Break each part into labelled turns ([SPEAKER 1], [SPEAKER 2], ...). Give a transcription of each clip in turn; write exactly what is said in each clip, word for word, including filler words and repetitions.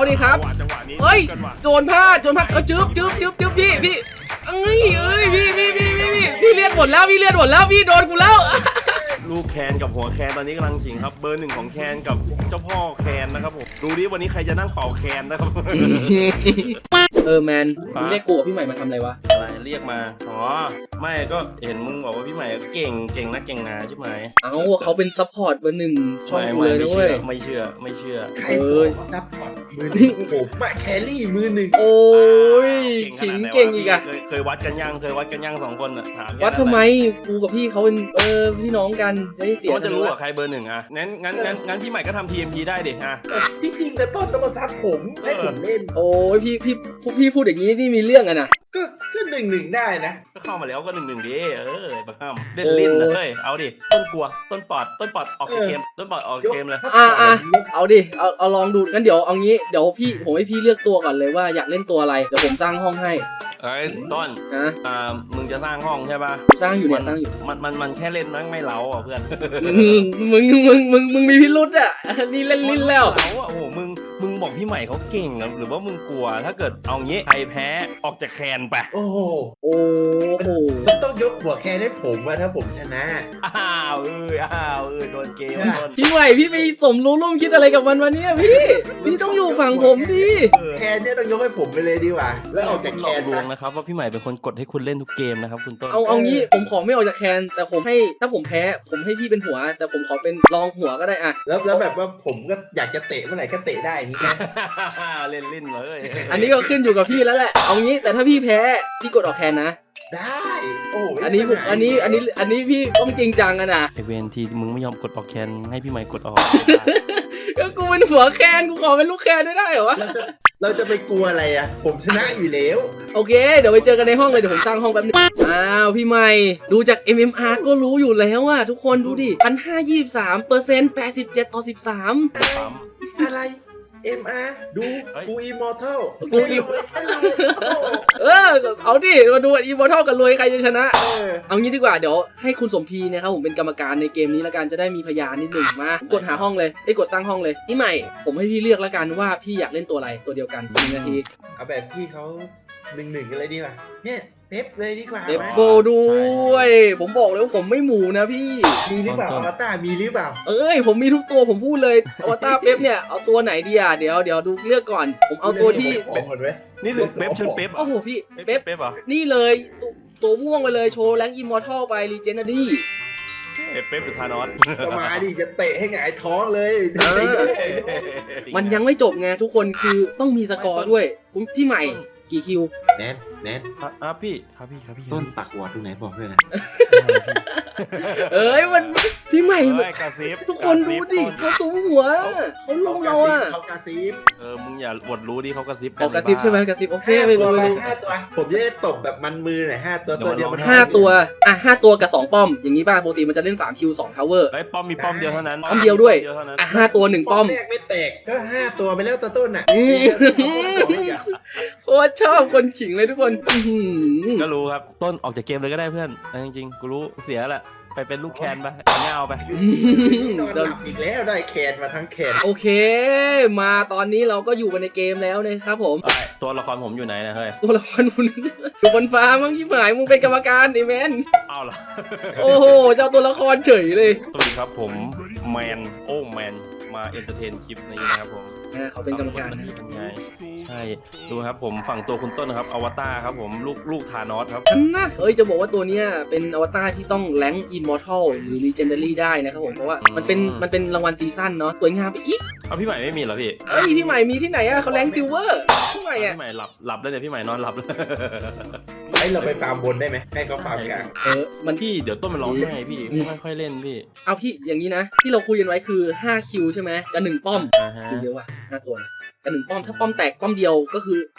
[SPEAKER 1] ดิครับ
[SPEAKER 2] จังหวะนี้
[SPEAKER 1] เอ้ยโจรพลาดโจรพลาดเออจึ๊บจึ๊บจึ๊บจึ๊บพี่พี่เอ้ยเอ้ยพี่พี่พี่พี่พี่พี่เลียดหมดแล้วพี่เลียดหมดแล้วพี่โดนกูแล้ว
[SPEAKER 2] ลูกแคนกับหัวแคนตอนนี้กำลังขิงครับเบอร์หนึ่งของแคนกับเจ้าพ่อแคนนะครับผมดูดิวันนี้ใครจะนั่งเป่าแคนนะครับ
[SPEAKER 1] เออแมนมึงเรียกกูกับพี่ใหม่มาทำอะไรวะ
[SPEAKER 2] อะไรเรียกมาอ๋อไม่ก็เห็นมึงบอกว่าพี่ใหม่เก่งเก่งนักเก่งหนาใช่ไหม
[SPEAKER 1] เอ้าเขาเป็นซัพพอร์ตเบอร์หนึ่งช่องกูเลยนะเว้ย
[SPEAKER 2] ไม่เชื่อไม่เชื่อ
[SPEAKER 3] ใครบอกซัพพอร์ตมือหนึ่งผมอะแครี่มือหนึ่ง
[SPEAKER 1] โอ้ยขิงเก่งอีกอะ
[SPEAKER 2] เคยวัดกันยังเคยวัดกันยังสองคนอะถาม
[SPEAKER 1] วัดทำไมกูกับพี่เขาเป็นเออพี่น้องกันจะให้เสีย
[SPEAKER 2] ก็จะรู้ว่าใครเบอร์หนึ่งอะงั้นงั้นงั้นงั้นพี่ใหม่ก็ทำ ที เอ็ม พี ได้ดิฮะ
[SPEAKER 3] ที่จริงแต่ต้นต้องมาซับผมให้ผมเล่น
[SPEAKER 1] โอ้ยพี่พี่พี่พูดอย่างนี้นี่มีเรื่องอะนะ
[SPEAKER 3] ก็ก็หนึ่งหนึ่งได้นะ
[SPEAKER 2] ก็เข้ามาแล้วก็หนึ่งหนึ่งดิเออบักห้ามเล่นลิ้นนะเฮ้ยเอาดิต้นกลัวต้นปอดต้นปอดออกจากเกมต้นปอดออกจากเกมเลย
[SPEAKER 1] อ่ะอ่ะเอาดิเอาเอาลองดูงั้นเดี๋ยวเอางี้เดี๋ยวพี่ผมให้พี่เลือกตัวก่อนเลยว่าอยากเล่นตัวอะไรเดี๋ยวผมสร้างห้องให้
[SPEAKER 2] เอ้ยต้น
[SPEAKER 1] นะ
[SPEAKER 2] อ่ามึงจะสร้างห้องใช่ป่ะ
[SPEAKER 1] สร้างอยู่เนี่ยสร้างอยู่
[SPEAKER 2] มันมันมันแค่เล่นนะไม่เล้าอ่ะเพื่อน
[SPEAKER 1] มึงมึงมึงมึงมึงมีพิรุษอ่ะนี่เล่นลิ้นแล้ว
[SPEAKER 2] เล้าอ่ะโอ้โหมึงมึงบอกพี่ใหม่เขาเก่งอะหรือว่ามึงกลัวถ้าเกิดเอางี้ใครแพ้ออกจากแคนไป
[SPEAKER 3] โอ้โห
[SPEAKER 1] โอ้โห
[SPEAKER 3] มันต้องยกหัวแคนให้ผมอะถ้าผมชนะ
[SPEAKER 2] อ้าวเอ้ยอ้าวเอ้ยโดนเกมต้น
[SPEAKER 1] พี่ใหม่พี่ไปสมรู้ร่วมคิดอะไรกับมันวะเนี่ยพี่พี่ต้องอยู่ฝั่งผมดิ
[SPEAKER 3] แคนเนี่ยต้องยกให้ผมไปเลยดีกว่า แล้วออกจาก
[SPEAKER 2] ห
[SPEAKER 3] แค
[SPEAKER 2] ลอก
[SPEAKER 3] น
[SPEAKER 2] ลวง
[SPEAKER 3] นะ
[SPEAKER 2] นะครับว่าพี่ใหม่เป็นคนกดให้คุณเล่นทุกเกมนะครับคุณต้น
[SPEAKER 1] เอาเอางี้ผมขอไม่ออกจากแคนแต่ผมให้ถ้าผมแพ้ผมให้พี่เป็นหัว แต่ผมขอเป็นรองหัวก็ได้อะ
[SPEAKER 3] แล้วแล้วแบบว่าผมก็อยากจะเตะเมื่อไหร่ก็เตะได้อย่างนี้นะ
[SPEAKER 2] เล่นลิ้นเลย
[SPEAKER 1] อันนี้ก็ขึ้นอยู่กับพี่แล้วแหละเอางี้แต่ถ้าพี่แพ้พี่กดออกแคนนะ
[SPEAKER 3] ได้โอ้โห
[SPEAKER 1] อันนี้ผมอันนี้อันนี้อันนี้พี่ต้องจริงจังอะนะ
[SPEAKER 2] ไอเวนทีมึงไม่ยอมกดออกแคนให้พี่ใหม่กดออก
[SPEAKER 1] ก็กูเป็นหัวแคนกูขอเป็นลูกแคนไม่ได้เหรอวะ
[SPEAKER 3] เราจะเราจะไปกลัวอะไรอะผมชนะอยู่แล้ว
[SPEAKER 1] โอเคเดี๋ยวไปเจอกันในห้องเลยเดี๋ยวผมสร้างห้องแป๊บนึงอ้าวพี่ใหม่ดูจาก เอ็ม เอ็ม อาร์ ก็รู้อยู่แล้วอะทุกคนดูดิพันห้ายี่สิบสามเปอร์เซ็นต์แปดสิบเจ็ดต่อสิบสาม
[SPEAKER 3] อะไร เอ็ม อาร์ ดูกูอิมอร์ทัล
[SPEAKER 1] กูอิมเออเอาดิมาดูอีโมทัลกันรวยใครจะชนะ
[SPEAKER 3] เออ
[SPEAKER 1] เอางี้ดีกว่าเดี๋ยวให้คุณสมพีนะครับผมเป็นกรรมการในเกมนี้แล้วกันจะได้มีพยานนิดหนึ่งมากดหาห้องเลยไอ้ยกดสร้างห้องเลยพี่ใหม่ผมให้พี่เลือกแล้วกันว่าพี่อยากเล่นตัวอะไรตัวเดียวกันหนึ่งนาที
[SPEAKER 3] เอาแบบที่เขาหนึ่งหนึ่งกันเลยดีกว่าเนี่ยเซฟเลยดีกว่า
[SPEAKER 1] เดบ
[SPEAKER 3] ไหม
[SPEAKER 1] โบด้วยผมบอกเลยว่าผมไม่หมูนะพี่
[SPEAKER 3] มีหรือเปล่าอวตารมีหรือเปล่า
[SPEAKER 1] เอ้ยผมมีทุกตัวผมพูดเลยอวตารเป๊ปเนี่ยเอาตัวไหนดีอ่ะเดี๋ยวเดี๋ยวดูเลือกก่อน ผมเอาตัวที่
[SPEAKER 3] เป็นหมดไหม
[SPEAKER 2] นี่ถึงเป๊ปเชิญเป๊ป
[SPEAKER 1] โอ้โหพี่
[SPEAKER 2] เป๊
[SPEAKER 1] เป๊
[SPEAKER 2] ป
[SPEAKER 1] ป
[SPEAKER 2] เป๊ปเหรอ
[SPEAKER 1] นี่เลยตัวตัวม่วงไปเลยโชว์แรงอิมมอร์ทัลไปรีเจนนารี
[SPEAKER 2] เป๊ปหรือธานอส
[SPEAKER 3] ก็มาดิจะเตะให้หงายท้องเลย
[SPEAKER 1] มันยังไม่จบไงทุกคนคือต้องมีสกอร์ด้วยคุณพี่ใหม่กี่คิว
[SPEAKER 3] แนนแนน
[SPEAKER 2] อ่ะพี่ครับพี่ครับพี่
[SPEAKER 3] ต้นปักวอดตรงไหนบอกด้วยนะ
[SPEAKER 1] เอ้ยมันพี่ใหม่
[SPEAKER 2] เฮ้ยกระซิบ
[SPEAKER 1] ทุกคนดูดิเขาสูงหัวเขาลงเราอ่ะ
[SPEAKER 3] เขากระซิบ
[SPEAKER 2] เออมึงอย่าอวดรู้ดิเขากระซิบ
[SPEAKER 1] ออกกระซิบใช่ไหมกระซิบโอเค
[SPEAKER 3] ห้า
[SPEAKER 1] ไป
[SPEAKER 3] ตั
[SPEAKER 1] เล
[SPEAKER 3] วย ไป
[SPEAKER 1] เลย
[SPEAKER 3] ห้าตัว ผมจะได้ตบแบบมันมือหน่อยห้าตัวตัวเดียวมัน
[SPEAKER 1] ห้าตัวอ่ะห้าตัวกับสองป้อมอย่างนี้ป่ะปกติมันจะเล่นสามคิวสองทาวเวอร์
[SPEAKER 2] ไอ้ป้อมมีป้อมเดียวเท่านั้น
[SPEAKER 1] ป้อมเดียวด้วย
[SPEAKER 2] เท่านั้น
[SPEAKER 1] อ่ะห้าตัวหนึ่ง
[SPEAKER 3] ป้
[SPEAKER 1] ป้
[SPEAKER 3] อ
[SPEAKER 1] อ
[SPEAKER 3] ม
[SPEAKER 1] ม
[SPEAKER 3] แรกไม่แตกก็ห้าตัวไปแล้วตัวต้นอ่ะ
[SPEAKER 1] อืม โคตรชอบคนขิงเลยทุกคนอื้อหือ
[SPEAKER 2] ก็รู้ครับต้นออกจากเกมเลยก็ได้เพื่อนเอาจริงๆกูรู้เสียแหละไปเป็นลูกแคนไปเงาไป
[SPEAKER 3] นอนหลับอีกแล้วได้แคนมาทั้งแคน
[SPEAKER 1] โอเค มาตอนนี้เราก็อยู่กันในเกมแล้วนะครับผม
[SPEAKER 2] เอ้ยตัวละครผมอยู่ไหนนะเฮ้ย
[SPEAKER 1] ตัวละครคุณอยู่บนฟ้ามั้งที่หมายมึงเป็นกรรมการไอ้แมน
[SPEAKER 2] เอาเหรอ
[SPEAKER 1] โอ้โหเจ้าตัวละครเฉยเลย
[SPEAKER 2] สวัสดีครับผมแมนโอ้แมนมาเอนเตอร์เทนคลิปนี้นะครับผม
[SPEAKER 1] นะเขาเป็นกรรมการนะ
[SPEAKER 2] เป็นไงใช่ดูครับผมฝั่งตัวคุณต้นนะครับอวตารครับผมลูกลูกธานอสครับ
[SPEAKER 1] อันนะเอ้ยจะบอกว่าตัวเนี้ยเป็นอวตารที่ต้องแรงอินมอร์ทัลหรือลีเจนดารี่ได้นะครับผมเพราะว่ามันเป็นมันเป็นรางวัลซีซั่นเนาะสวยงามไปอีก
[SPEAKER 2] เอาพี่ใหม่ไม่มีเหรอพี่
[SPEAKER 1] เอ้ยพี่ใหม่มีที่ไหนอะเขาแรงซิลเวอร์พี่ใหม่อะ
[SPEAKER 2] พี่ใหม่หลับหลับแล้วเนี่ยพี่ใหม่นอนหลับแล้ว
[SPEAKER 3] ให้เราไปฟาร์มบนได้ไหมให้เขาฟาร์มกลาง
[SPEAKER 1] เออมัน
[SPEAKER 2] พี่เดี๋ยวต้นมันร้องไห้พี่ไม่ค่อยเล่นพี่
[SPEAKER 1] เอาพี่อย่างนี้นะ ที่เราคุยกันไว้คือห้าคิวใช่ไหมกับหนึ่งป้อม
[SPEAKER 2] อ่าฮะ
[SPEAKER 1] คิวเดียวว่ะห้าตัวนะกับหนึ่งป้อมถ้าป้อมแตกป้อมเดียวก็คือ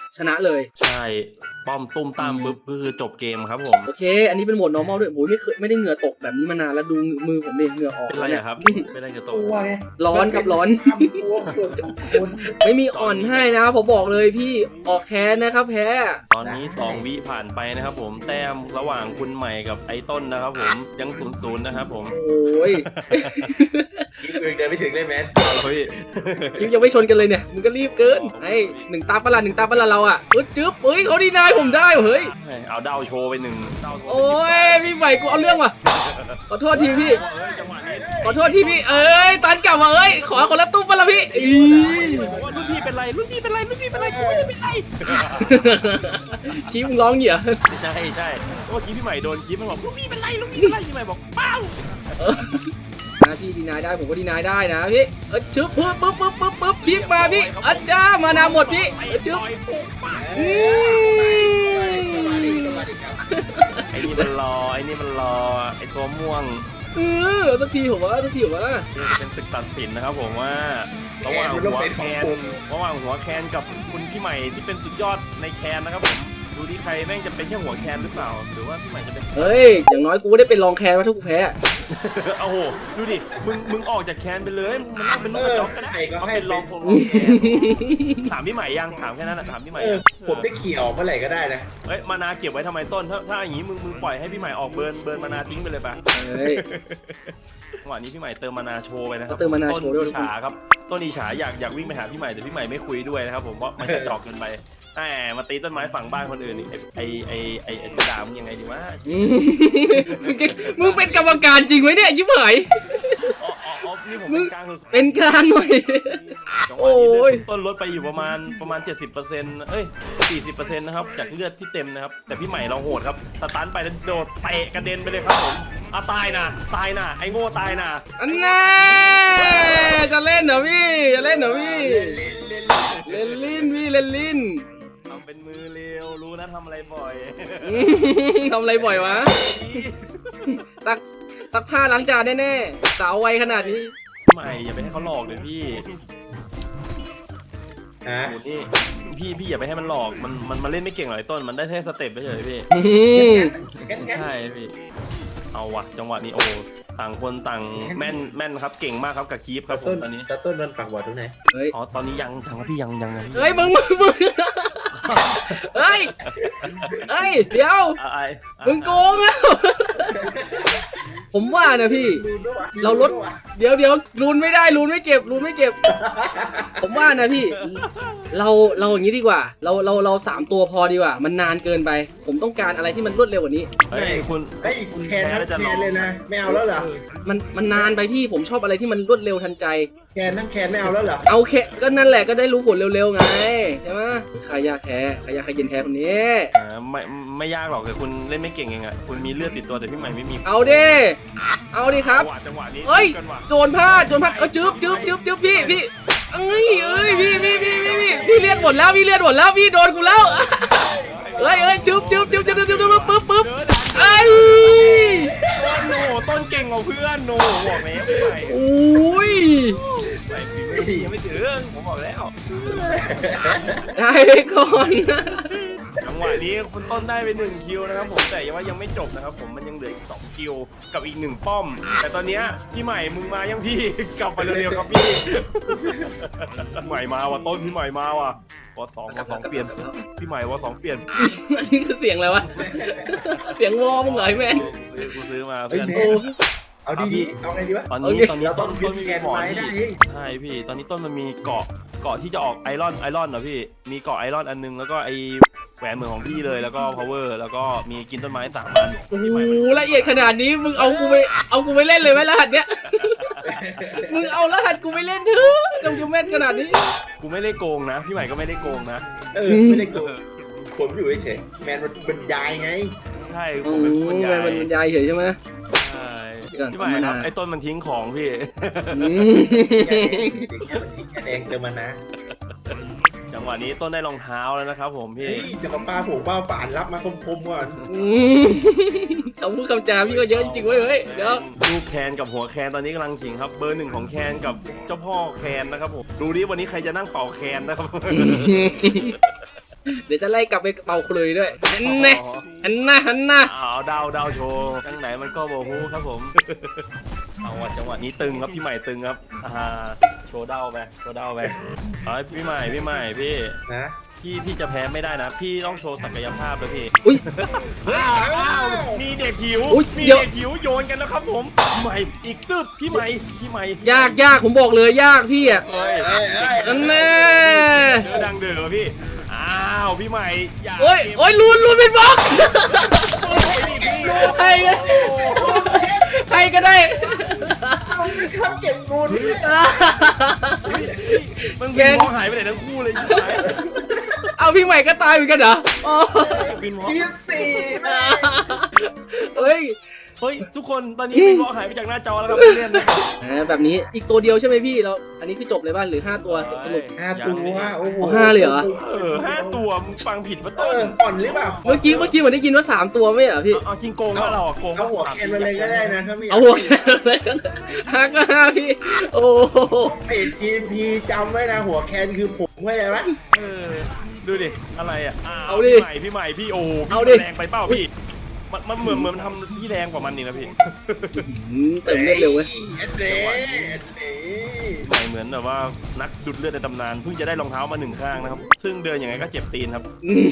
[SPEAKER 1] ชนะเลย
[SPEAKER 2] ใช่ป้อมตุ้มตามปุ๊บก็คือจบเกมครับผม
[SPEAKER 1] โอเค อันนี้เป็นโหมด normal ด้วยโอ้ยไม่เคยไม่ได้เหงื่อตกแบบนี้มานานแล้วดูมือผมดิเหงื่อออก
[SPEAKER 2] เป็นไร
[SPEAKER 1] แล้วเนี่ย
[SPEAKER 2] อะครับเป็นไรจะต
[SPEAKER 3] ก
[SPEAKER 2] ก
[SPEAKER 3] ลัวไง
[SPEAKER 1] ร้อนครับร้อน
[SPEAKER 3] ทำตัวเกิดคน
[SPEAKER 1] ไม่มีอ่อนให้นะผมบอกเลยพี่ออกแค้นนะครับแพ้
[SPEAKER 2] ตอนนี้สองวิผ่านไปนะครับผมแต้มระหว่างคุณใหม่กับไอ้ต้นนะครับผมยังศูนย์ศูนย์นะครับผม
[SPEAKER 1] โอ้ย
[SPEAKER 3] กิ๊บเองเดินไม่ถึงเลยแมน
[SPEAKER 2] เอาละพี่
[SPEAKER 1] คลิปยังไม่ชนกันเลยเนี่ยมึงก็รีบเกินไอ้หนึ่งตาปะละหนึ่งตาปะละเราอ่ะอึดจึ๊บเฮ้ยเขาดีนายผมได้เฮ้ย
[SPEAKER 2] เอาเดาโชว์ไปหนึ่งเดาโชว์
[SPEAKER 1] โอ้ยพี่ใหม่กูเอาเรื่องว่ะขอโทษทีพี่
[SPEAKER 2] เอ้ยจังหวะนี้
[SPEAKER 1] ขอโทษทีพี่เอ้ยตันกลับมาเอ้ยขอคนละตู้ปะละพี่อี
[SPEAKER 2] บอกว่ารุ่นพี่เป็นไรรุ่นพี่เป็นไรรุ่นพี่เป็นไรกูไม่ได้เป็นไร
[SPEAKER 1] ชี้มึงร้องเหี้ย
[SPEAKER 2] ใช่ใช่เมื่อกี้พี่ใหม่โดนคีบมันบอกรุ่นพี่เป็นไรรุ่นพี่เป็นไรพี่ใหม่บอกเปล่า
[SPEAKER 1] นะพี่ดีนายได้ผมก็ดีนายได้นะพี่เออชึบปึ๊บปึ๊บปึ๊บปึ๊บปึ๊บคลิปมาพี่อาจารย์มานาหมดพี่เออชึบอืม
[SPEAKER 2] ไอ้นี่มันรอไอ้นี่มันรอไอ้ตัวม่วง
[SPEAKER 1] เออสักทีผมว่าสักทีผมว่า
[SPEAKER 2] นี่เป็นศึกตัดสินนะครับผมว่าระหว่างหัวแคนระหว่างหัวแคนกับคุณพี่ใหม่ที่เป็นสุดยอดในแคนนะครับผมดูที่ใครแม่งจะเป็นแค่หัวแคนหรือเปล่าหรือว่าพี่ใหม่จะเป็น
[SPEAKER 1] เฮ้ยอย่างน้อยกูได้เป็นรองแคนว่าถ้ากูแพ้
[SPEAKER 2] โอ้โหดูดิมึงมึงออกจากแคนไปเลยมึงมันนั่งเป็นลูกกระจอกก็ได้
[SPEAKER 3] ใครก็
[SPEAKER 2] เขา
[SPEAKER 3] ให้
[SPEAKER 2] เป็นร
[SPEAKER 3] เป็
[SPEAKER 2] อง
[SPEAKER 3] น
[SPEAKER 2] พงรองแคนถามพี่ใหม่ยังถามแค่นั้นแหละถามพี่ใหม่
[SPEAKER 3] เออ
[SPEAKER 2] ยัง
[SPEAKER 3] ผมจะเขี่ยออกเมื่อไหร่ก็ได้นะ
[SPEAKER 2] เฮ้ยมานาเก็บไว้ทำไมต้นถ้าถ้าอย่างงี้มึงมึงปล่อยให้พี่ใหม่ออกเบิร์นเบิร์นมานาทิ้งไปเลยปะ
[SPEAKER 1] เฮ้ย
[SPEAKER 2] จังหวะนี้พี่ใหม่เติมมานาโชว์ไปนะครับ
[SPEAKER 1] เติมมานาโชว์ด้วย
[SPEAKER 2] ต้นอิจฉาครับต้นอิจฉาอยากอยากวิ่งไปหาพี่ใหม่แต่พี่ใหม่ไม่คุยด้วยนะครับผมเพราะมันจะจอกเกินไปแหมมาตีต้นไม้ฝั่งบ้านคนอื่นนี่ไอไอไอไอจะด่ามึงยังไงดีวะ
[SPEAKER 1] อืมมึงเป็นกรรมการจริงไหมเนี่ยยิ้มเหย
[SPEAKER 2] อ๋ออ๋ออ๋อนี่ผม
[SPEAKER 1] มึ
[SPEAKER 2] เป็
[SPEAKER 1] ง
[SPEAKER 2] นกลางสุด
[SPEAKER 1] เป็นกลางหน่อย
[SPEAKER 2] จังห
[SPEAKER 1] โอ้
[SPEAKER 2] วะนี้
[SPEAKER 1] ย
[SPEAKER 2] เลือดต้นลดไปอยู่ประมาณประมาณ เจ็ดสิบเปอร์เซ็นต์ เอ้ย สี่สิบเปอร์เซ็นต์ นะครับจากเลือดที่เต็มนะครับแต่พี่ใหม่เราโหดครับสตันไปแล้วโดดเตะกระเด็นไปเลยครับผมอ่ะตายนะตายนะไอ้โง่ตายนะ
[SPEAKER 1] อันน่าจะเล่นเหรอพี่จะเล่นเหรอพี่
[SPEAKER 3] เล่นเล่นเล่น
[SPEAKER 1] เล่นลิ้นพี่เล่นลิ้น
[SPEAKER 2] ทำเป็นมือเร็วรู้นะทำอะไรบ่อย
[SPEAKER 1] อืมทำอะไรบ่อยวะซักซักผ้าล้างจานแน่ๆสาวไวขนาดนี้
[SPEAKER 2] พี่ใหม่อย่าไปให้เขาหลอกเลยพี่
[SPEAKER 3] ฮะ
[SPEAKER 2] โอ้นี่พี่พี่อย่าไปให้มันหลอกมันมันมาเล่นไม่เก่งหรอกไอ้ต้นมันได้แค่สเต็ปเฉยๆพี่
[SPEAKER 1] อืม
[SPEAKER 3] งั้นงั้น
[SPEAKER 2] ใช่พี่เอาวะจังหวะนี้โอ้ต่างคนต่างแม่นแม่นครับเก่งมากครับกับคีฟครับผม
[SPEAKER 3] ต้น
[SPEAKER 2] ตอนนี้
[SPEAKER 3] ตาต้นมันปากบอดตรงไหน
[SPEAKER 1] เฮ้ย
[SPEAKER 2] อ๋อตอนนี้ยังจังวะพี่ยังยังยัง
[SPEAKER 1] เฮ้ยมึงมึงมึงเฮ้ยเฮ้ยเดี๋ยว
[SPEAKER 2] อะไอ
[SPEAKER 1] มึงโกงแล้ว ผมว่านะพี่
[SPEAKER 3] ดูด้วยวะ
[SPEAKER 1] เราลด เดี๋ยวเดี๋ยวรูนไม่ได้รูนไม่เก็บรูนไม่เก็บ ผมว่านะพี่ เราเราอย่างนี้ดีกว่า เราเราเราสามตัวพอดีกว่า มันนานเกินไป ผมต้องการอะไรที่มันรวดเร็วกว่านี้
[SPEAKER 2] เฮ้ยคุณ
[SPEAKER 3] ไอ้ยแคนทั้งแคนเลยนะไม่เอาแล้วเหรอ
[SPEAKER 1] มันมันนานไปพี่ผมชอบอะไรที่มันรวดเร็วทันใจ
[SPEAKER 3] แคนทั้งแคนไม่เอาแล้วเหรอ
[SPEAKER 1] เอาแค่ก็นั่นแหละก็ได้รู้ผลเร็วๆไงใช่ไหมขายยาแค่ขายยาขายเย็นแค่คนนี้
[SPEAKER 2] อ่าไม่ไม่ยากหรอกแต่คุณเล่นไม่เก่งเองอ่ะคุณมีเลือดติดตัวแต่พี่ใหม่ไม่มี
[SPEAKER 1] เอาดิเอาดิครับ
[SPEAKER 2] จังหวะจังหวะนี้
[SPEAKER 1] เอ้ย
[SPEAKER 2] กันว่ะ
[SPEAKER 1] โจรพลาดโจรพลาดเออจึ๊บจึ๊บจึ๊บจึ๊บพี่พี่เอ้ยเอ้ยพี่พี่พี่พี่พี่พี่เลือดหมดแล้วพี่เลือดหมดแล้วพี่โดนกูแล้วเอ้ยเอ้ยจึ๊บจึ๊บจึ๊บจึ๊บจึ๊บจึ๊บจึ๊บปึ๊บปึ๊บ
[SPEAKER 2] เจอดัน
[SPEAKER 1] เอ้ย
[SPEAKER 2] ต้นโหต้นเก่งกว่าเพื่อนโหบอกแล้วพี่ใหม่
[SPEAKER 1] โอ้ย
[SPEAKER 2] ใส่ฝีมือยังไม่ถึงผมบอกแล้ว
[SPEAKER 1] ได้ไปก่อนนะ
[SPEAKER 2] จังหวะนี้คุณต้นได้ไปหนึ่งคิวนะครับผมแต่ยังว่ายังไม่จบนะครับผมมันยังเหลืออีกสองคิวกับอีกหนึ่งป้อม แต่ตอนเนี้ยพี่ใหม่มึงมายังพี่ กลับมาเร็วๆครับพี่พี่ใหม่มาว่ะต้นพี่ใหม่มาว่ะวอสองวอสองเปลี่ยนพี่ใหม่วอสองเปลี่ยน
[SPEAKER 1] อันนี้คือเสียงอะไรวะเสียงวอมึงเหรอไอ้แมน
[SPEAKER 2] ซื้อกูซื้อมา
[SPEAKER 3] เฮ้ย
[SPEAKER 2] เพื่อน
[SPEAKER 3] แมนเอาดีๆเอาไงดีวะ
[SPEAKER 2] ตอน
[SPEAKER 1] โอ
[SPEAKER 2] นี้
[SPEAKER 1] เค
[SPEAKER 2] ตอนนี้
[SPEAKER 3] เราต้
[SPEAKER 2] ต้
[SPEAKER 3] อง
[SPEAKER 2] น
[SPEAKER 3] ยึ
[SPEAKER 2] ต้
[SPEAKER 3] ด
[SPEAKER 2] นมี
[SPEAKER 3] แกน
[SPEAKER 2] หมอน
[SPEAKER 3] ไม้ได้
[SPEAKER 2] พี่ใช่พี่ตอนนี้ต้นมันมีเกาะเกาะที่จะออกไอรอนไอรอนเหรอพี่มีเกาะไอรอนอันนึงแล้วก็ไอแหวนเหมือนของพี่เลยแล้วก็ power แล้วก็มีกินต้นไม้สามอัน
[SPEAKER 1] โอ้โหละเอียดขนาดนี้มึงเอากูไปเอากูไปเล่นเลยไหมรหัสเนี้ยมึงเอารหัสกูไปเล่นเถอะดงยูแม่นขนาดนี้
[SPEAKER 2] กูไม่ได้โกงนะ พี่ใหม่ก็ไม่ได้โกงนะ
[SPEAKER 3] เออไม่ได้โกงผมอยู่เฉยๆแมนมันบรรยายไง
[SPEAKER 2] ใช่ผ
[SPEAKER 1] โอ้
[SPEAKER 2] มเป็นคน
[SPEAKER 1] ย
[SPEAKER 2] ใหญ่
[SPEAKER 1] มันบรรยายเฉยใช่ไหม
[SPEAKER 2] ใช่
[SPEAKER 1] เดี๋ยวก่อน
[SPEAKER 2] พี่ใหม่ครับ
[SPEAKER 1] ธรรมดา
[SPEAKER 2] ไอ้ต้นมันทิ้งของพี่
[SPEAKER 1] อืม
[SPEAKER 3] แดงเติมมานะ
[SPEAKER 2] จังหวะนี้ต้นได้รองเท้าแล้วนะครับผมพี่
[SPEAKER 3] เฮ้ยจะมาปาผงป้าฝานรับมาคมๆก่อน
[SPEAKER 1] อืมคำพูดคำจาพี่ก็เยอะจริงๆเว้ยเฮ้ยเดี๋ยว
[SPEAKER 2] ลูกแคนกับหัวแคนตอนนี้กำลังขิงครับ เบอร์หนึ่งของแคนกับเจ้าพ่อแคนนะครับผมดูดิวันนี้ใครจะนั่งเป่าแคนนะครับ
[SPEAKER 1] เดี๋ยวจะไล่กลับไปเป่าคลุยด้วยอันน่ะอันน่ะอันน่ะ
[SPEAKER 2] เอาดาวดาวโชว์จังไหนมันก็โบฮูครับผม เอาว่ะจังหวะนี้ตึงครับพี่ใหม่ตึงครับอ่าโชว์ดาวไปโชว์ดาวไปเอาพี่ใหม่พี่ใหม่พี่
[SPEAKER 3] นะ
[SPEAKER 2] พี่พี่จะแพ้ไม่ได้นะ พี่ต้องโชว์ศักยภาพเลยพี่
[SPEAKER 1] อุ้ย
[SPEAKER 2] อ้าวอ้าวมีเด็กหิว
[SPEAKER 1] อุ๊ย
[SPEAKER 2] มี
[SPEAKER 1] เดี๋ยว
[SPEAKER 2] เด็กหิวโยนกันแล้วครับผมพี่ใหม่อีกตึ๊บพี่ใหม่พี่ใหม่
[SPEAKER 1] ยากยากผมบอกเลยยากพี่อ่ะ
[SPEAKER 2] เฮ้ย
[SPEAKER 3] เอ้ยเอ้ย
[SPEAKER 1] อันน่ะ
[SPEAKER 2] เดือดังเดือพี่อ้าวพี่ใหม่อย่า
[SPEAKER 1] โอ้ยโอ้ยลูนลูนเป็นบล็อก
[SPEAKER 2] โอ้ยนี่พี่
[SPEAKER 1] ใครก็ใครก็ได้
[SPEAKER 3] ลุงเป็นข้าวเก็บงูน
[SPEAKER 2] มันบินมองหายไปไหนทั้งคู่เลยชิบหาย
[SPEAKER 1] เอาพี่ใหม่ก็ตายเหมือนกันเหรออ๋อ
[SPEAKER 2] บินมอง
[SPEAKER 3] ยี่สิบสี่แม่
[SPEAKER 1] เฮ้ย
[SPEAKER 2] เฮ้ยทุกคนตอนนี้บินมองหายไปจากหน้าจอแล้วครับเพื่อน
[SPEAKER 1] อ่าแบบนี้อีกตัวเดียวใช่ไหมพี่เราอันนี้คือจบเลยบ้านหรือห้าตัวสรุป
[SPEAKER 3] ห้าตัวโอ้โห
[SPEAKER 1] เอาห้าเลยเหรอ
[SPEAKER 2] เออห้าตัวมึงฟังผิดปะ
[SPEAKER 3] เอ
[SPEAKER 2] ต้น
[SPEAKER 3] ออ่อนหรือเปล่า
[SPEAKER 1] เมื่อกี้เมื่อกี้เหมือนได้ยินว่าสามตัวไม่เหรอพี่
[SPEAKER 2] เอาจริงโกงว่าเราอะโกง
[SPEAKER 3] เอาหัวแคนมาเลยก็ได้นะถ้าไม่อยาก
[SPEAKER 1] เอาหัวแค่อะไรกันห้าก็ห้าพี่ โอ้โห
[SPEAKER 3] เพจทีมพีจำไว้นะหัวแคนคือผมเข้าใจไหม
[SPEAKER 2] เออดูดิอะไรอ่ะว
[SPEAKER 1] เอาดิ
[SPEAKER 2] พี่ใหม่พี่ใหม่พี่โอ้
[SPEAKER 1] เอาดิ
[SPEAKER 2] แรงไปเปล่าพี่มันมันเหมือนเหมือนมันทำพี่แรงกว่ามันนี่นะพี่
[SPEAKER 1] อืมเติมเลือดเร็วเว้ย
[SPEAKER 3] เอ็ดเด้เอ็ดเด้
[SPEAKER 2] ใหม่เหมือนแบบว่านักดุดเลือดในตำนานเพิ่งจะได้รองเท้ามาหนึ่งข้างนะครับซึ่งเดินยังไงก็เจ็บตีนครับ
[SPEAKER 1] อืม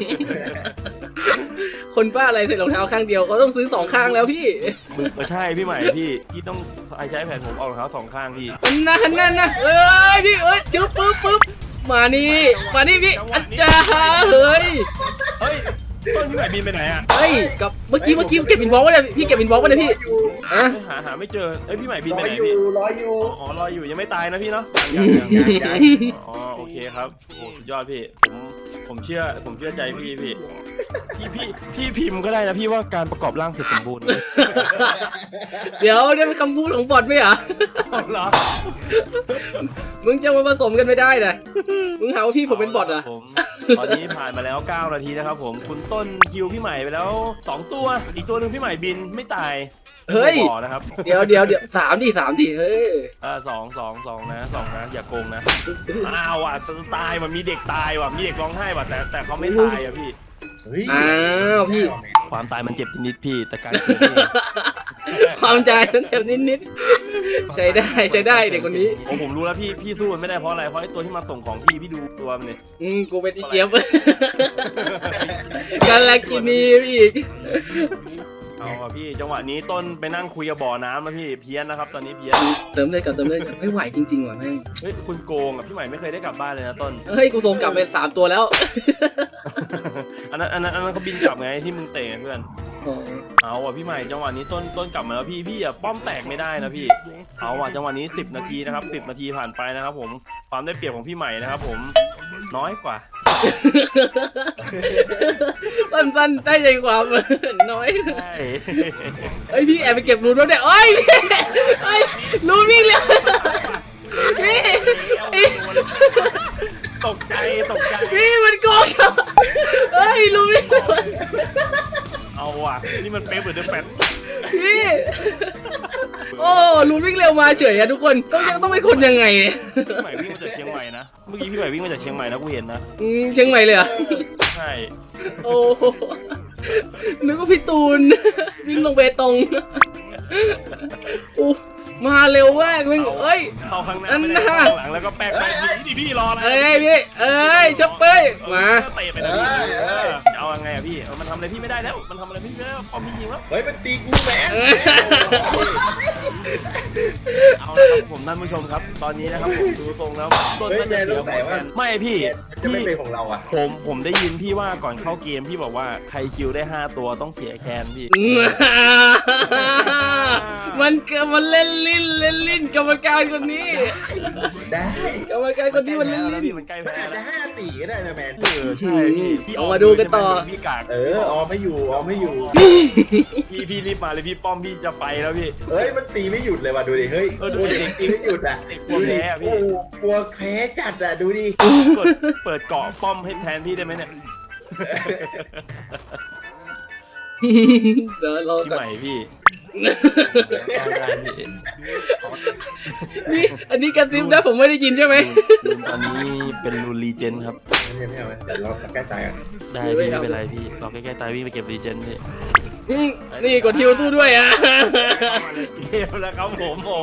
[SPEAKER 1] คนบ้าอะไรใส่รองเท้าข้างเดียวเขาต้องซื้อสองข้างแล้วพี่
[SPEAKER 2] มึงเออใช่พี่ใหม่พี่พี่ต้องใช้แผ่นผมเอารองเท้าสองข้างพี่
[SPEAKER 1] อันนั่นนั่นนะเอ้ยพี่เอ้ยจึ๊บปึ๊บปึ๊บมานี่มานี่พี่อาจารย์เฮ้ย
[SPEAKER 2] เฮ้ยต้นพี่ใหม่บินไปไหนอ่ะ
[SPEAKER 1] เฮ้ยกับเมื่อกี้เมื่อกี้เก็บอินวอล์กไว้เลยพี่เก็บอินวอล์กไว้เลยพี่อะ
[SPEAKER 2] เฮ้ยหาหาไม่เจอเอ้ยพี่ใหม่บิน
[SPEAKER 3] ร
[SPEAKER 2] ไป
[SPEAKER 3] อ
[SPEAKER 2] ไหน
[SPEAKER 3] อยู่
[SPEAKER 2] พี่
[SPEAKER 3] รออยู่
[SPEAKER 2] อ๋อรออยู่ยังไม่ตายนะพี่เนาะ
[SPEAKER 3] ยังยังยังยัง
[SPEAKER 2] อ๋อโอเคครับโอ้สุดยอดพี่ผมผมเชื่อผมเชื่อใจพี่พี่พี่พี่พี่พิมพ์ก็ได้นะพี่ว่าการประกอบร่างเสร็จสมบูรณ์
[SPEAKER 1] เดี๋ยวเนี่ยเป็นคำพูดของบอทไหมเหรอ
[SPEAKER 2] เหรอ
[SPEAKER 1] มึงจะมาผสมกันไม่ได้นะมึงหาว่าพี่ผมเป็นบอทเหรอ่ะ
[SPEAKER 2] ผมตอนนี้ผ่านมาแล้วเก้านาทีนะครับผมคุณต้นคิวพี่ใหม่ไปแล้วสองตัวอีกตัวหนึ่งพี่ใหม่บินไม่ตาย
[SPEAKER 1] เฮ้ย
[SPEAKER 2] บ่อนะครับ
[SPEAKER 1] เดี๋ยวเดี๋ยวเดี๋ยวสามดิสามดิเฮ้ย
[SPEAKER 2] อ่าสองสองสองนะสองนะอย่าโกงนะอ้าวอ่ะตายว่ะมีเด็กตายว่ะมีเด็กร้องไห้ว่ะแต่แต่เขาไม่ตายอ่ะพี่
[SPEAKER 3] เฮ้ย
[SPEAKER 1] อ้าวพี่
[SPEAKER 2] ความตายมันเจ็บนิดๆพี่แต่การเกิดนี่
[SPEAKER 1] ความใจมันเจ็บนิดๆใช้ได้ใช้ได้เด็กคนนี้
[SPEAKER 2] ผมผมรู้แล้วพี่พี่สู้มันไม่ได้เพราะอะไรเพราะไอ้ตัวที่มาส่งของพี่พี่ดูตัวมันเนี่ย
[SPEAKER 1] อืมกูเป็นอีเจี๊ยบ กันลากินีอีก
[SPEAKER 2] เอาอ่ะพี่จังหวะนี้ต้นไปนั่งคุยกับบ่อน้ำนะพี่เพี้ยนนะครับตอนนี้เพี้ยน
[SPEAKER 1] เติมเลยก่อนเติมเลยก่อนไม่ไหวจริงๆว่ะแม่ง
[SPEAKER 2] เฮ้ยคุณโกงอ่ะพี่ใหม่ไม่เคยได้กลับบ้านเลยนะต้น
[SPEAKER 1] เฮ้ยกูส่งกลับไปสามตัวแล้ว
[SPEAKER 2] อันนั้นอันนั้นอันนั้นเขาบินกลับไงที่มึงเตะเพื่อนเอาอ่ะพี่ใหม่จังหวะนี้ต้นต้นกลับมาแล้วพี่พี่อ่ะป้อมแตกไม่ได้นะพี่เอาอ่ะจังหวะนี้สิบนาทีนะครับสิบนาทีผ่านไปนะครับผมความได้เปรียบของพี่ใหม่นะครับผมน้อยกว่า
[SPEAKER 1] สั้นๆได้ใจความ น้อย
[SPEAKER 2] ใช่
[SPEAKER 1] เฮ้ยพี่แอบไปเก็บรูนแล้วเนี่ยเอ้ยพี่เฮ้ยรูนวิ่งเร็วพี่พี่
[SPEAKER 2] ตกใจตกใจ
[SPEAKER 1] พี่มันโกงเราเฮ้ยรูนวิ่งเร็ว
[SPEAKER 2] เอาอ่ะนี่มันเป๊ะเหมือนเดิมแปด
[SPEAKER 1] พี่โอ้รูนวิ่งเร็วมาเฉยอะทุกคนต้องยังต้องเป็นคนยังไงเนี่ย
[SPEAKER 2] พี่ใหม่วิ่งมาจากเชียงใหม่นะเมื่อกี้พี่ใหม่วิ่งมาจากเชียงใหม่นะกูเห็นนะ
[SPEAKER 1] อืมเชียงใหม่เลยเหรอ
[SPEAKER 2] ใช่
[SPEAKER 1] โอ้โหนึกว่าพี่ตูน วิ่งลงเบตงอู้มาเร็วมากวิ่งเอ้ย
[SPEAKER 2] เข้าข้างหน้าไม่ได้เข้าข้างหลังแล้วก็แป๊กไปพี่พี่รออะไร
[SPEAKER 1] เอ้ยพี่เอ้ยช็อปเป้ยมา
[SPEAKER 2] เตะไปนะพี่จะเอายังไงอะพี่มันทำอะไรพี่ไม่ได้แล้วมันทำอะไรพี่ไม่ได้พอพี่ยิงแล้ว
[SPEAKER 3] เฮ้ยมันตีกูแมน
[SPEAKER 2] เอาละครับผมท่านผู้ชมครับ ตอนนี้นะครับผมดูทรงแล้วต้นก็จะเสียผลกันไม่พี่
[SPEAKER 3] จะไม่เป็นของเราอ่ะ
[SPEAKER 2] ผมผมได้ยินพี่ว่าก่อนเข้าเกมพี่บอกว่าใครคิวได้ห้าตัวต้องเสียแคนพี่
[SPEAKER 1] มันเกิดมันเล่นลิ้นเล่นลิ้นกรรมการคนนี้
[SPEAKER 3] ได้
[SPEAKER 1] กรรมการคนนี้มันเล่นลิ้น
[SPEAKER 2] พี่มันใกล้
[SPEAKER 3] มัน
[SPEAKER 2] แพ้
[SPEAKER 3] อาจจะ
[SPEAKER 2] แล้ว
[SPEAKER 3] ห้าสี่ก็ได้นะแมน
[SPEAKER 2] เออใช่พี่พี่
[SPEAKER 1] เอามาดูกันต่อ
[SPEAKER 2] พี่กาก
[SPEAKER 3] เออออมไม่อยู่ออมไม่อยู่
[SPEAKER 2] พี่พี่รีบมาเลยพี่ป้อมพี่จะไปแล้วพี่
[SPEAKER 3] เฮ้ยมันตีไม่หยุดเลยว่ะดูดิเฮ้ย
[SPEAKER 2] เออดู
[SPEAKER 3] ดู
[SPEAKER 2] ดิ
[SPEAKER 3] เด็กตีไม่หยุดอ่ะ
[SPEAKER 2] เด็กกลัวแพ้อะพี่
[SPEAKER 3] โอ้โหกลัวแพ้จัดอ่ะดูดิ
[SPEAKER 2] เปิดเปิดเกาะป้อมให้แทนพี่ได้ไหมเนี่ย
[SPEAKER 1] เดี๋ยวเรา
[SPEAKER 2] พี่
[SPEAKER 1] จะ
[SPEAKER 2] ใหม่พี่เอาได้พี่
[SPEAKER 1] นี่อันนี้กระซิบนะผมไม่ได้ยินใช่ไหม
[SPEAKER 2] รูนตอนนี้เป็นรูนรีเจนครับ
[SPEAKER 3] งั้นยังไม่เอาไหมเดี๋ยวรอใกล้ตายอ่ะ
[SPEAKER 4] ได้พี่ไม่เป็นไรพี่รอใกล้ๆตายวิ่งไปเก็บรีเจนพี่
[SPEAKER 1] อืมนี่กดทิวสู้ด้วยอ่ะ
[SPEAKER 2] เกมแล้วครับผมโอ้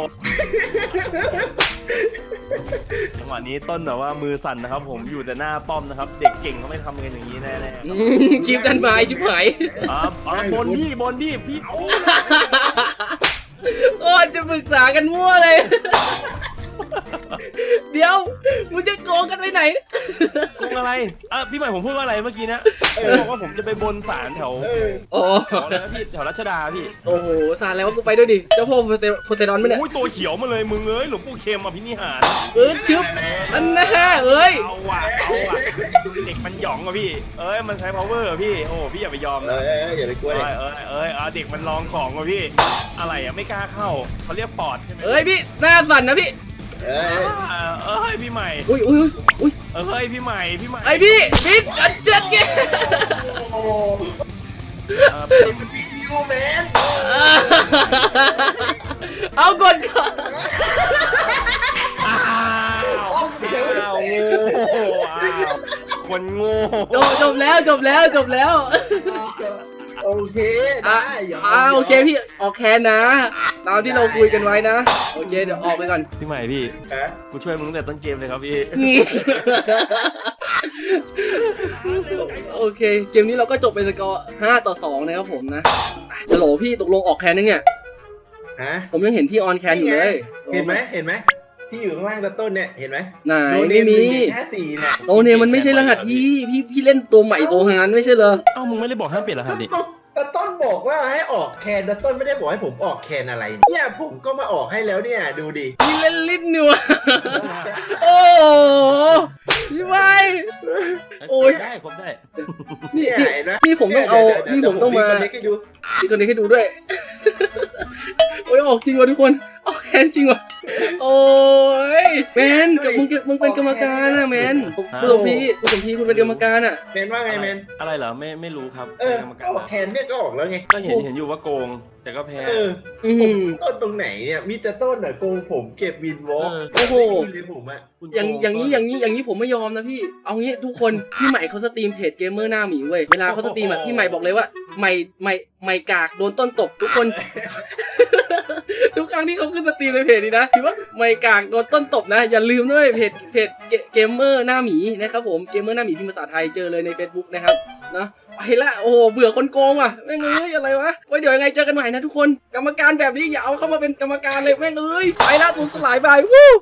[SPEAKER 2] จังหวะนี้ต้นแบบว่ามือสั่นนะครับผมอยู่แต่หน้าป้อมนะครับ เด็กเก่งเขาไม่ทำกันอย่างนี้แน่ๆ
[SPEAKER 1] อืมคลิปกันไม้ชิบหาย
[SPEAKER 2] อ่าอ่าบนพี่บนพี่พี่โอ้
[SPEAKER 1] โอ้จะปรึกษากันมั่วเลย เดี๋ยวมึงจะโกงกันไปไหน
[SPEAKER 2] โกงอะไรอ่ะพี่ใหม่ผมพูดว่าอะไรเมื่อกี้นะผมบอกว่าผมจะไปบนศาลแถว
[SPEAKER 3] เออ
[SPEAKER 1] โอ้
[SPEAKER 2] แถวอะไรนะพี่แถวรัชดาพี่
[SPEAKER 1] โอ้โหสารแล้วว่ากูไปด้วยดิ เจ้าพ่อโพเซโพเซดอนไหมเนี่ย
[SPEAKER 2] โอ้ยตัวเขียวมาเลยมึงเอ้ยหลวงปู่เข็มอ่ะพี่นิหาร
[SPEAKER 1] เออจึ๊บอันแน่เอ้ย
[SPEAKER 2] เอาว่ะเอาว่ะเด็กมันหยองอ่ะพี่ เอ้ยมันใช้ power อ่ะพี่โอ้พี่อย่าไปยอม
[SPEAKER 3] เอ
[SPEAKER 2] นะ
[SPEAKER 3] อเอออย่าไปกลัว
[SPEAKER 2] เอ้
[SPEAKER 3] เลย
[SPEAKER 2] ยเอ้ยเอ้ยอ่ะเด็กมันลองของอ่ะพี่ อะไรอ่ะไม่กล้าเข้าเขาเรียกปอดใช่ไหม
[SPEAKER 1] เอ้ยพี่หน้าสั่นนะพี่
[SPEAKER 3] เออ
[SPEAKER 2] อ่าเอ้ยพี่ใหม่
[SPEAKER 1] อุ้ยอุ้ยอุ้ย
[SPEAKER 2] เอ้ยพี่ใหม่พี่ใหม่
[SPEAKER 1] ไอพี่พี่อันเจ็ดเก
[SPEAKER 3] โอ้
[SPEAKER 2] เอ่อ
[SPEAKER 3] เป็นวิดีโอแมน
[SPEAKER 1] เอากดก่อน
[SPEAKER 2] อ้าวอ้าวโง่อ้าวคนโง่
[SPEAKER 1] จบจบแล้วจบแล้วจบแล้ว
[SPEAKER 3] โอเค
[SPEAKER 1] อ่ะ
[SPEAKER 3] ได้ยอม
[SPEAKER 1] อ่าโอเคพี่ออกแคนนะ ตามที่เราคุยกันไว้นะ โอเคเดี๋ยวออกไปก่อน
[SPEAKER 2] พี่ใหม่พี่
[SPEAKER 3] ฮะ
[SPEAKER 2] กูช่วยมึงตั้งแต่ต้นเกมเลยครับพี่
[SPEAKER 1] โอเค เกมนี้เราก็จบเป็นสกอร์ห้าต่อสองนะครับผมนะฮัลโหลพี่ตกลงออกแคนนึงเนี่ย
[SPEAKER 3] ฮะ
[SPEAKER 1] ผมยังเห็นพี่ออนแคนอยู่เลย
[SPEAKER 3] เห็นไหมเห็นไหมพี่อยู่ข้างล่างตะต้นเนี่ยเห็นไหม
[SPEAKER 1] ไหน
[SPEAKER 3] โนเน
[SPEAKER 1] ไม่
[SPEAKER 3] ห
[SPEAKER 1] มี
[SPEAKER 3] นึ่งห้าสี่เนี่ย
[SPEAKER 1] โอเนี่ยมันไม่ใช่รหัสพี่พี่พี่เล่นตัวใหม่โซฮานไม่ใช่เหรอ
[SPEAKER 2] เอ้ามึงไม่ได้บอกห้ามเปลี่ยนรหัสดิ
[SPEAKER 3] ตะต้นตะต้นบอกว่าให้ออกแคนตะต้นไม่ได้บอกให้ผมออกแคนอะไรเนี่ยผมก็มาออกให้แล้วเนี่ยดูดิ
[SPEAKER 1] พี่เล่นลิ้นอยู่อะโอ้โหพี่ไว้ โอ้ย
[SPEAKER 2] ได้ครบได้
[SPEAKER 1] นี่
[SPEAKER 3] เนี่ย
[SPEAKER 1] นี่
[SPEAKER 3] เห็นไหม
[SPEAKER 1] นี่ผมต้องเอา
[SPEAKER 3] ดี๋ยว
[SPEAKER 1] นี่
[SPEAKER 3] ดี๋ยว
[SPEAKER 1] ผมต้องมา
[SPEAKER 3] เดี๋ยวผให้ดู
[SPEAKER 1] มีคนนี้ให้ดูด้วย โอ้ยออกจริงว่ะทุกคน ออกแคนจริงว่ะ โอ้ยแมนกับมึงมึงเป็นกรรมการนะแมนคุณสมพีคุณสมพีคุณเป็นกรรมการอ่ะ
[SPEAKER 3] เมนว่าไงเมน
[SPEAKER 2] อะไรเหรอไม่ไม่รู้ครับ
[SPEAKER 3] เออ
[SPEAKER 2] ป็นกรรม
[SPEAKER 3] ก็
[SPEAKER 2] การ
[SPEAKER 3] ออกแคนเนี่ยก็ออกแล้วไง
[SPEAKER 2] ก็เห็นเห็นอยู่ว่าโกง แต่ก็แพ้
[SPEAKER 3] เออ
[SPEAKER 1] อื
[SPEAKER 3] ผม
[SPEAKER 1] ม
[SPEAKER 3] ต้นตรงไหนเนี่ยมีแต่ต้นอ่ะโกงผมเก็บวินวอล์ก
[SPEAKER 1] โอ้โห
[SPEAKER 3] ไม่มีเลยผมอ่ะ
[SPEAKER 2] คุณโก
[SPEAKER 1] อย่างอย่างนี้อย่างนี้อย่างนี้ผมไม่ยอมนะพี่ เอางี้ทุกคนพี่ใหม่เขาสตรีมเพจเกมเมอร์หน้าหมีเว้ย เวลาเขาสตรีมอะพี่ใหม่บอกเลยว่าใหม่ใหม่ใหม่กากโดนต้นตบทุกคน ทุกครั้งที่เขาขึ้นสตรีมในเพจนี้นะถือว่าไม่กากโดนต้นตบนะ อย่าลืมด้วยเพจเพจเกมเมอร์หน้าหมีนะครับผมเกมเมอร์หน้าหมีพิมพ์ภาษาไทยเจอเลยใน Facebook นะครับนะไปละโอ้โหเบื่อคนโกงว่ะแม่งเอ้ยอะไรวะไว้เดี๋ยวยังไงเจอกันใหม่นะทุกคนกรรมการแบบนี้อย่าเอาเข้ามาเป็นกรรมการเลยแม่งเอ้ยไปละตูสลายบายวู้